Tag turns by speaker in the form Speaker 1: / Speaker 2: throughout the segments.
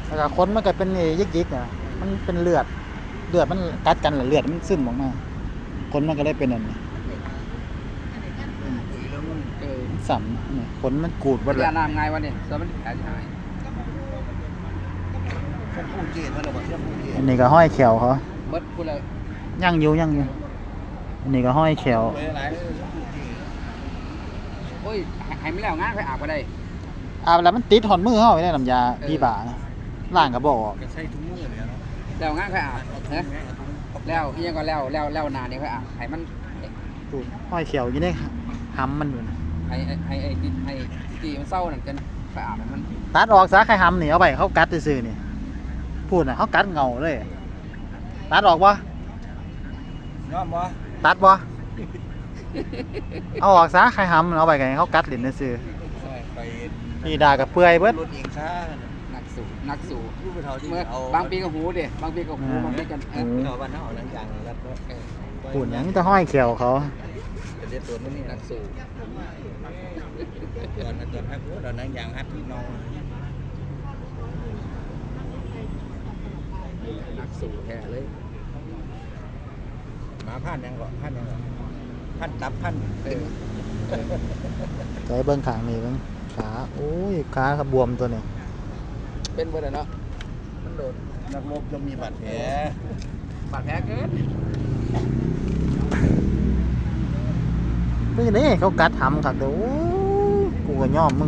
Speaker 1: แล้วก็ขนมันก็เป็นยิกๆอ่ะมันเป็นเลือดมันกัดกันแล้วเลือดมันซึมออกมาขนมันก็ได้เป็นอันนี้สัมเนี่ยขนมันกูดหมดเลย
Speaker 2: ยาน้ำไงวะเนี่ยแล้วมันหายหาย
Speaker 1: อันนี้ก็ห้อยแขวเขา
Speaker 2: เบิดพูดเลย
Speaker 1: ย่างอยู่อันนี้ก็ห้อยแขว
Speaker 2: โอ้ยหายไม่แล้วงานไปอาบก็ได้
Speaker 1: อาบแล้วมันติดหอนมือเขาไว้ได้น้ำยาพี่บ่านะล่างก็บอก
Speaker 3: ก็ใช้ทุกมื้อเลยเนาะ
Speaker 2: แล้วงานไปอาบนะแล้วยังก็แล้วนานนี่ไปอาบให้มัน
Speaker 1: ตูนห้อยแขวอยู่ในหำมันอยู่นะ
Speaker 2: ให้ตีมันเศร้านั่นกันไปอาบให้มัน
Speaker 1: ตัดออกซะใครหำนี่เอาไปเขากัดซื่อๆนี่พูดน่ะเขากัดเงาเลยตัดออกบ่
Speaker 3: ยอมบ่
Speaker 1: ตัดบ่เอาออกซะใครหำเอาไปกันเขากัดลิ้นซื่อ
Speaker 3: ไป
Speaker 1: พี่ด่ากับเปื่อยเบิด
Speaker 3: รถเองซ่า
Speaker 2: นักสู่
Speaker 3: ผู้ไปเท่าที่
Speaker 2: เมื่อ
Speaker 3: เอา
Speaker 2: บางปีก็หูเด้บางปีก็หูบางปีกัน
Speaker 3: เอาบ้านเฮาหลังอย่างแล้วก็
Speaker 1: พูดหยังจะห้อยแขวเขา
Speaker 3: จะเรียกตัวนี้
Speaker 2: นักสู่
Speaker 3: ตอนฮักตอนนั้นอย่างฮักที่น้อง
Speaker 2: นักสู่แท้เลย
Speaker 3: มาพันยังก่อนพันตับพัน
Speaker 1: ใจเบิ้งขางนี่เบิ้งขาโอ้ยขาขบวมตัวนี้
Speaker 2: เป็นเบอร์เนาะมันโดน
Speaker 3: นักรบจะมีบาดแผล
Speaker 2: บาดแผลเกิน
Speaker 1: นี่นี่เขากัดหำคักเด้อโอ้ยกูก็ยอมมึง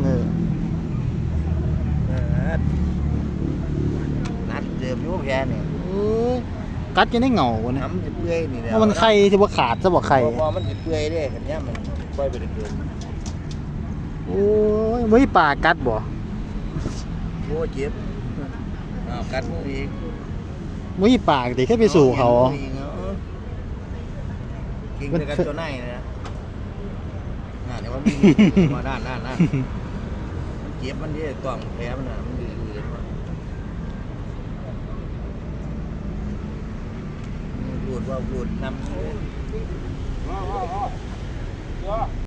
Speaker 3: นัดเจิมอยู่แผลนี่
Speaker 1: กัดจะได้เหงาวะเนี่ย
Speaker 3: น้ำจะเปื่อยนี่แหละ
Speaker 1: เพราะมันไข่ที่ว่าขาดซะบ่ไข่
Speaker 3: พอมันจะเปื่อยเด้คันนี้มันปล่อยไปเรื่อย
Speaker 1: โอ้ยมือปากกัดบ่
Speaker 3: ๆโอ้เจ็บกัดมืออีก
Speaker 1: มือปากดิแค่ไปสู่เขา
Speaker 3: กินกับตัวไหนนะน่าเดี๋ยวว่ามีมาด้านมันเจ็บมันดิต่อมแผลมันน่ะมันดื้อๆมันพูดว่าพูดนำ